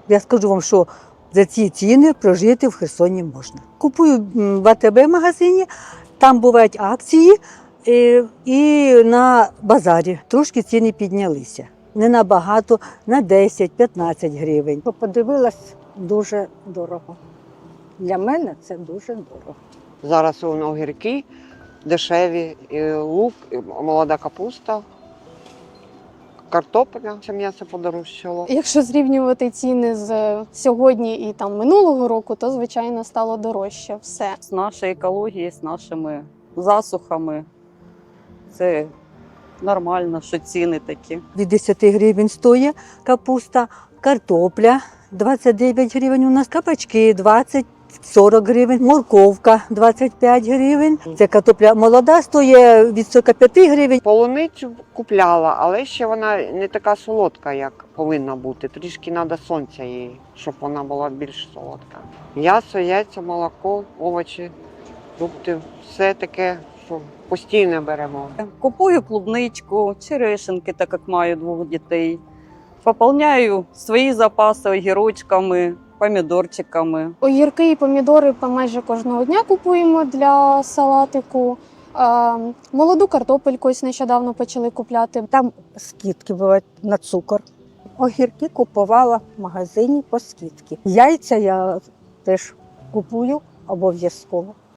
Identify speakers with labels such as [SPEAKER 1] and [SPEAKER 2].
[SPEAKER 1] Я скажу вам, що за ці ціни прожити в Херсоні можна. Купую в АТБ-магазині, там бувають акції, і на базарі трошки ціни піднялися. Не набагато, на 10-15 гривень.
[SPEAKER 2] Подивилась, дуже дорого. Для мене це дуже дорого.
[SPEAKER 3] Зараз огірки дешеві, і лук, і молода капуста, картопля, це м'ясо подорожчало.
[SPEAKER 4] Якщо зрівнювати ціни з сьогодні і там минулого року, то звичайно стало дорожче все.
[SPEAKER 5] З нашої екології, з нашими засухами. Це нормально, що ціни такі.
[SPEAKER 1] Від 10 гривень стоїть капуста, картопля 29 гривень, у нас кабачки 20-40 гривень, морковка 25 гривень. Це картопля молода стоїть від 45 гривень.
[SPEAKER 3] Полуницю купляла, але ще вона не така солодка, як повинна бути. Трішки треба сонця їй, щоб вона була більш солодка. М'ясо, яйця, молоко, овочі, фрукти, все таке, що постійно беремо.
[SPEAKER 5] Купую клубничку, черешенки, так як маю 2 дітей. Поповняю свої запаси огірочками, помідорчиками.
[SPEAKER 4] Огірки і помідори майже кожного дня купуємо для салатику. Молоду картопельку ось нещодавно почали купляти.
[SPEAKER 2] Там скидки бувають на цукор. Огірки купувала в магазині по скидці. Яйця я теж купую обов'язково.